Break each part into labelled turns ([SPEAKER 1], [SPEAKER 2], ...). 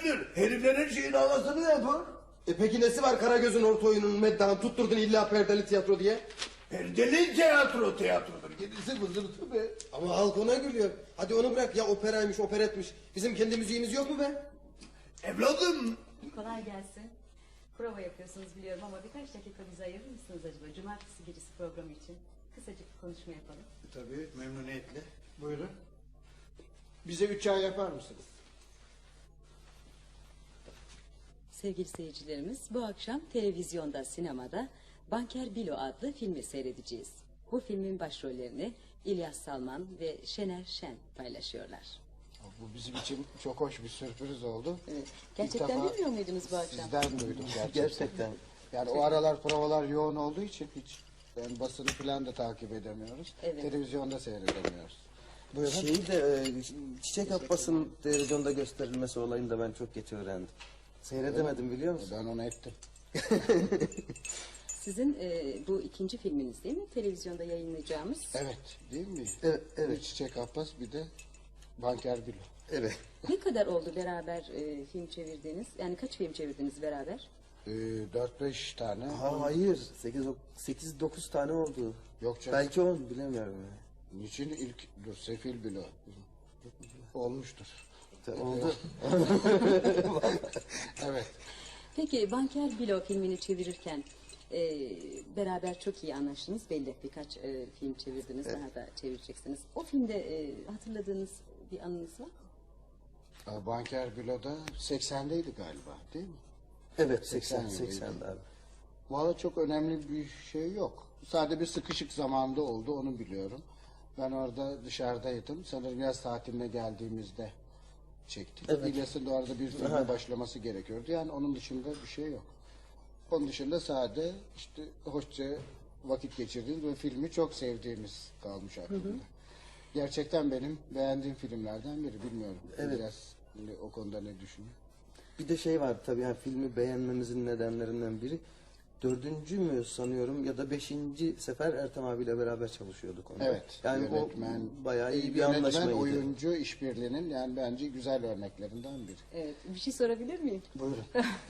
[SPEAKER 1] Herifler her şeyin havasını yapar.
[SPEAKER 2] Peki nesi var Karagöz'ün orta oyununun meddanı tutturdun illa perdeli tiyatro diye?
[SPEAKER 1] Perdeli tiyatrodur. Gerisi vızırtı be.
[SPEAKER 2] Ama halk ona gülüyor. Hadi onu bırak ya, operaymış operetmiş. Bizim kendi müziğimiz yok mu be?
[SPEAKER 1] Evladım.
[SPEAKER 3] Kolay gelsin. Prova yapıyorsunuz biliyorum ama birkaç dakika bize ayırır mısınız acaba? Cumartesi gecesi programı için kısacık bir konuşma yapalım.
[SPEAKER 4] Tabii, memnuniyetle. Buyurun. Bize 3 çay yapar mısınız?
[SPEAKER 3] Sevgili seyircilerimiz, bu akşam televizyonda, sinemada Banker Bilo adlı filmi seyredeceğiz. Bu filmin başrollerini İlyas Salman ve Şener Şen paylaşıyorlar.
[SPEAKER 4] Bu bizim için çok hoş bir sürpriz oldu.
[SPEAKER 3] Evet. Gerçekten
[SPEAKER 4] İlk defa
[SPEAKER 3] bilmiyor muydunuz bu akşam?
[SPEAKER 4] Sizden duydum gerçekten.
[SPEAKER 2] Gerçekten.
[SPEAKER 4] Yani o aralar provalar yoğun olduğu için hiç yani basını falan da takip edemiyoruz.
[SPEAKER 3] Evet.
[SPEAKER 4] Televizyonda seyredemiyoruz. Buyurun.
[SPEAKER 2] Şeyi de Çiçek Abbas'ın televizyonda gösterilmesi olayını da ben çok geç öğrendim. Seyredemedim biliyor musun?
[SPEAKER 4] Ben onu ettim.
[SPEAKER 3] Sizin bu ikinci filminiz değil mi? Televizyonda yayınlayacağımız.
[SPEAKER 4] Evet, değil mi?
[SPEAKER 2] Evet.
[SPEAKER 4] Bir Çiçek Abbas, bir de Banker Bilo.
[SPEAKER 2] Evet.
[SPEAKER 3] Ne kadar oldu beraber film çevirdiğiniz? Yani kaç film çevirdiniz beraber?
[SPEAKER 4] 4-5 tane.
[SPEAKER 2] Hayır, 8-9 tane oldu.
[SPEAKER 4] Yok canım.
[SPEAKER 2] Belki 10 bilemiyorum. Yani.
[SPEAKER 4] Niçin Sefil Bilo? Olmuştur.
[SPEAKER 2] Oldu.
[SPEAKER 4] Evet.
[SPEAKER 3] Peki Banker Bilo filmini çevirirken beraber çok iyi anlaştınız belli. Birkaç film çevirdiniz, daha da çevireceksiniz. O filmde hatırladığınız bir anınız var mı?
[SPEAKER 4] Banker Bilo'da 80'deydi galiba, değil mi?
[SPEAKER 2] Evet,
[SPEAKER 4] 80
[SPEAKER 2] 80'de abi.
[SPEAKER 4] Valla çok önemli bir şey yok. Sadece bir sıkışık zamanda oldu, onu biliyorum. Ben orada dışarıdaydım. Sanırım yaz tatiline geldiğimizde çektik.
[SPEAKER 2] Evet.
[SPEAKER 4] İlyas'ın da orada bir filme başlaması gerekiyordu. Yani onun dışında bir şey yok. Onun dışında sadece işte hoşça vakit geçirdiğimiz ve filmi çok sevdiğimiz kalmış aklımda. Gerçekten benim beğendiğim filmlerden biri, bilmiyorum.
[SPEAKER 2] Evet.
[SPEAKER 4] İlyas o konuda ne düşünüyor?
[SPEAKER 2] Bir de şey var tabii, yani filmi beğenmemizin nedenlerinden biri, 4. mü sanıyorum ya da 5. sefer Ertem abiyle beraber çalışıyorduk onda.
[SPEAKER 4] Evet.
[SPEAKER 2] Yani
[SPEAKER 4] yönetmen,
[SPEAKER 2] o bayağı iyi bir
[SPEAKER 4] yönetmen,
[SPEAKER 2] anlaşmaydı.
[SPEAKER 4] oyuncu işbirliğinin yani bence güzel örneklerinden biri.
[SPEAKER 3] Evet. Bir şey sorabilir miyim?
[SPEAKER 4] Buyurun.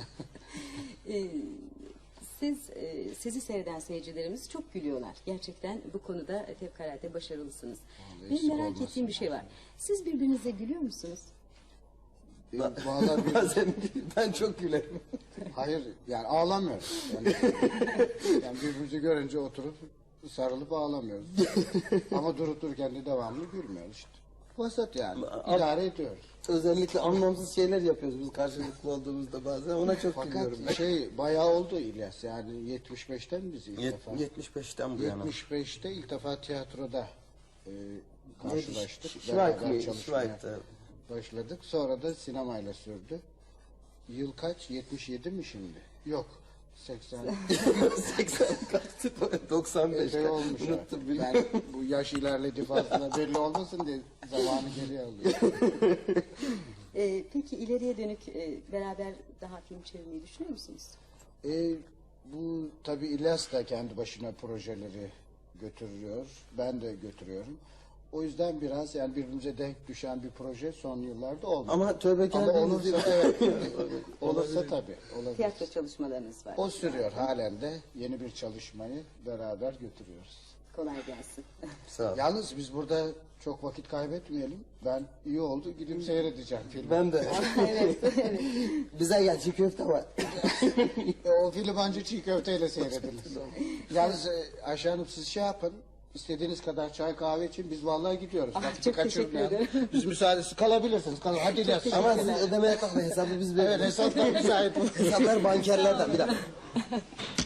[SPEAKER 3] Sizi seyreden seyircilerimiz çok gülüyorlar. Gerçekten bu konuda fevkalade başarılısınız.
[SPEAKER 4] Vallahi
[SPEAKER 3] Benim
[SPEAKER 4] eksik
[SPEAKER 3] merak
[SPEAKER 4] olmasın.
[SPEAKER 3] ettiğim bir şey var. Siz birbirinize gülüyor musunuz?
[SPEAKER 4] Vallahi
[SPEAKER 2] Bazen ben çok gülerim.
[SPEAKER 4] hayır yani ağlamıyoruz. Yani birbirimizi görünce oturup sarılıp ağlamıyoruz. Ama durup dururken de devamlı gülmüyoruz işte. Vasat yani. İdare ediyoruz.
[SPEAKER 2] Özellikle anlamsız şeyler yapıyoruz biz karşılıklı olduğumuzda bazen. Ona çok gülüyorum.
[SPEAKER 4] Fakat bayağı oldu İlyas, yani 75'ten biz ilk defa.
[SPEAKER 2] 75'ten bu yana.
[SPEAKER 4] 75'te ilk defa tiyatroda karşılaştık.
[SPEAKER 2] Şvayk
[SPEAKER 4] Beraber
[SPEAKER 2] mı?
[SPEAKER 4] çalışmaya
[SPEAKER 2] Şvayk'ta.
[SPEAKER 4] başladık. Sonra da sinemayla sürdü. Yıl kaç? 77 mi şimdi? Yok. 80.
[SPEAKER 2] 80 kaçtı? 95.
[SPEAKER 4] Epey olmuş.
[SPEAKER 2] Unuttum
[SPEAKER 4] ha.
[SPEAKER 2] bile.
[SPEAKER 4] Ben bu yaş ilerledi fazla belli olmasın diye zamanı geriye alıyorum.
[SPEAKER 3] Peki ileriye dönük beraber daha film çevirmeyi düşünüyor musunuz?
[SPEAKER 4] Bu tabii İlyas da kendi başına projeleri götürüyor. Ben de götürüyorum. O yüzden biraz yani birbirimize denk düşen bir proje son yıllarda olmadı.
[SPEAKER 2] Ama tövbekar
[SPEAKER 4] Ama
[SPEAKER 2] bir
[SPEAKER 4] olursa
[SPEAKER 2] dizi-
[SPEAKER 4] evet. Olursa tabii. Olabilir.
[SPEAKER 3] Tiyatro çalışmalarınız var.
[SPEAKER 4] O sürüyor halen de, yeni bir çalışmayı beraber götürüyoruz.
[SPEAKER 3] Kolay gelsin.
[SPEAKER 2] Sağ ol.
[SPEAKER 4] Yalnız biz burada çok vakit kaybetmeyelim. Ben iyi oldu gidip seyredeceğim filmi.
[SPEAKER 2] Ben de.
[SPEAKER 3] Evet.
[SPEAKER 2] Bize gel, çiğ köfte var.
[SPEAKER 4] O film ancak çiğ köfteyle seyredilir. Yalnız Ayşe Hanım siz şey yapın. İstediğiniz kadar çay kahve için biz vallahi gidiyoruz. Vakti
[SPEAKER 3] çok
[SPEAKER 4] kaçırmayalım.
[SPEAKER 3] teşekkür ederim.
[SPEAKER 4] Biz müsaadesi kalabilirsiniz. Hadi İlyas.
[SPEAKER 2] Ama siz ödemeye kalkmayın, hesabı biz
[SPEAKER 4] Evet
[SPEAKER 2] veririz.
[SPEAKER 4] hesaplar müsait.
[SPEAKER 2] Hesaplar bankerlerden, bir dakika.